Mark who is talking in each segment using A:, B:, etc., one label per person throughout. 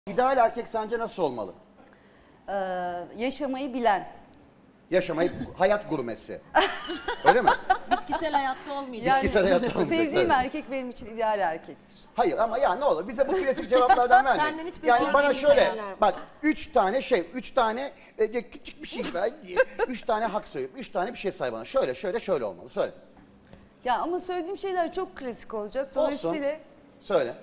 A: İdeal erkek sence nasıl olmalı?
B: Yaşamayı bilen.
A: Yaşamayı, hayat gurmesi. Öyle mi?
C: Bitkisel hayatta olmayacak.
B: Yani
A: Bitkisel hayatta olmayacak,
B: sevdiğim
A: tabii.
B: erkek benim için ideal erkektir.
A: Hayır ama ya ne olur bize bu klasik cevaplardan verme.
C: Senden hiç
A: Yani bana
C: beklemediğim
A: şöyle
C: şeyler var.
A: bak 3 tane küçük bir şey ver diye 3 tane hak söyleyip 3 tane bir şey say bana. Şöyle olmalı. Söyle.
B: Ya ama söylediğim şeyler çok klasik olacak.
A: Olsun.
B: Dolayısıyla
A: Söyle.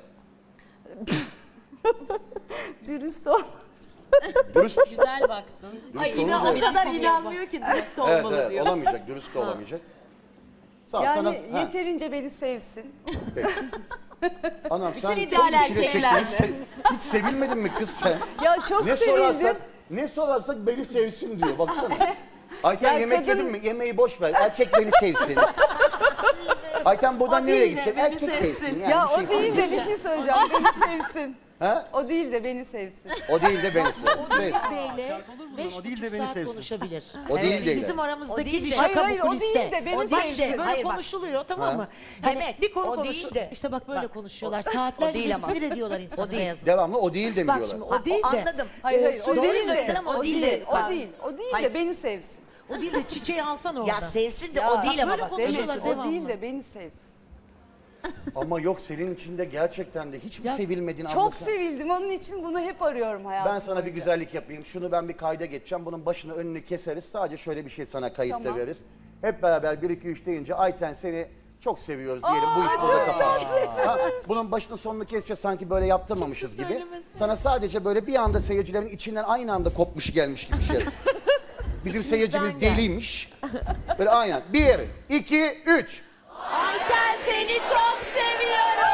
B: dürüst ol.
A: Dürüst.
C: Güzel baksın.
A: Dürüst
C: Ay,
A: olunca-
C: o kadar inanmıyor ki dürüst
A: Evet,
C: olmalı
A: evet
C: diyor.
A: olamayacak. Dürüst de olamayacak. Sağ ol,
B: Yani
A: sana. Ha,
B: yeterince beni sevsin.
A: peki. Anam sen çok
C: ideal
A: içine çektin.
C: erkekler
A: Hiç sevilmedin mi kız sen?
B: Ya çok sevildim.
A: Ne sorarsak beni sevsin diyor baksana. Ayten
B: Ya
A: yemek
B: kadın-
A: yedin mi? Yemeği boş ver. Erkek beni sevsin. Ayten buradan
C: O
A: nereye
C: değil de
A: gidecek?
C: beni
A: Erkek sevsin.
C: sevsin.
A: Yani
B: Ya
A: bir
B: o
A: şey
B: değil de bir şey söyleyeceğim. Beni sevsin.
A: Ha?
B: O değil de beni sevsin.
A: O değil de beni sevsin.
D: Beyle
E: O değil de
D: 5,5
E: beni
D: saat
E: sevsin.
D: konuşabilir.
A: O değil de.
D: Bizim
F: O
D: aramızdaki
F: değil
D: bir
F: de.
D: şaka
B: Hayır,
D: bu
B: o
D: kuliste.
B: değil de beni
D: Bak
B: sevsin.
D: işte böyle
F: Hayır, bak.
D: konuşuluyor tamam
A: Ha.
D: mı? Hani
F: Demek,
D: bir konu
F: o
D: konuş.
F: değil de.
D: İşte bak böyle
F: Bak,
D: konuşuyorlar.
F: o
D: Saatlerce
F: değil ama.
D: sinir ediyorlar insanı
F: O değil.
D: beyazı.
A: Devamlı o değil de mi
D: Bak
A: diyorlar?
D: şimdi
F: Ha,
D: o değil de.
F: anladım.
B: Hayır, o
D: Doğru
B: değil
F: söylüyorsun
B: de.
F: ama
B: O değil,
F: de.
B: o
F: Bak.
B: değil. O değil
F: Hayır.
B: de beni sevsin.
D: O değil de çiçeği alsana orada.
F: Ya sevsin de
B: Ya,
F: o değil ama
D: böyle
F: bak.
D: konuşuyorlar.
B: Demek
D: devamlı.
B: o değil de beni sevsin.
A: Ama yok senin içinde gerçekten de hiç mi
D: Ya,
A: sevilmedin abla
B: Çok
A: sen?
B: sevildim. Onun için bunu hep arıyorum hayatım
A: Ben sana bir
B: boyunca.
A: güzellik yapayım. Şunu ben bir kayda geçeceğim. Bunun başını önünü keseriz. Sadece şöyle bir şey sana kayıtta
B: Tamam.
A: veririz. Hep beraber 1 2 3 deyince Ayten seni çok seviyoruz diyelim. Bu iş burada kapanır. Ha, bunun başını sonunu keseceğiz sanki böyle yaptırmamışız gibi.
C: söylemesin.
A: Sana sadece böyle bir anda seyircilerin içinden aynı anda kopmuş gelmiş gibi bir şey. Bizim seyircimiz deliymiş. Böyle aynen. 1 2 3.
C: Ayten seni çok seviyorum.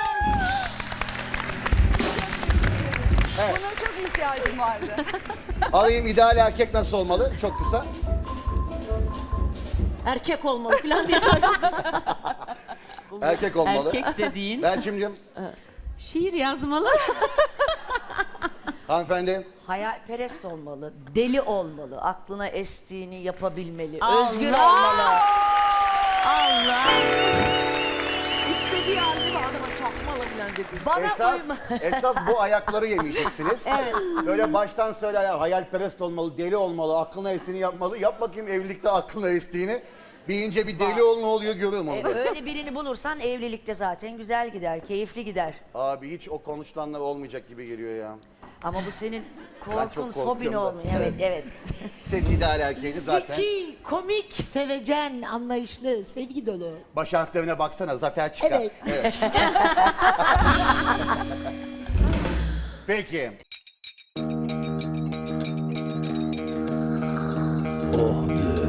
B: Buna çok ihtiyacım vardı.
A: Alayım ideal erkek nasıl olmalı? Çok kısa.
C: Erkek olmalı falan diye söylüyor.
A: Erkek olmalı.
C: Erkek de değil.
A: Belçimciğim,
C: Şiir yazmalı.
A: hanımefendi.
F: Hayalperest olmalı, deli olmalı, aklına estiğini yapabilmeli,
C: Allah!
F: özgür olmalı.
C: Allah.
D: İstediği halde adama çakmalı falan dedi.
F: Bana uyma.
A: Esas bu ayakları yemeyeceksiniz. Böyle baştan söyle ya hayalperest olmalı, deli olmalı, aklına estiğini yapmalı. Yap bakayım evlilikte aklına estiğini. Bir ince bir deli ol ne oluyor görüyorum onu. da.
F: Öyle birini bulursan evlilikte zaten güzel gider, keyifli gider.
A: Abi hiç o konuşulanlar olmayacak gibi geliyor ya.
F: Ama bu senin
A: çok
F: korkun,
A: korkuyorum
F: fobin
A: da.
F: olmuyor. Evet, evet.
A: Senin ideal erkeğini zaten.
D: Zeki, komik, sevecen, anlayışlı, sevgi dolu.
A: Baş harflerine baksana zafer çıkar.
D: Evet.
A: Peki.
E: Oh de.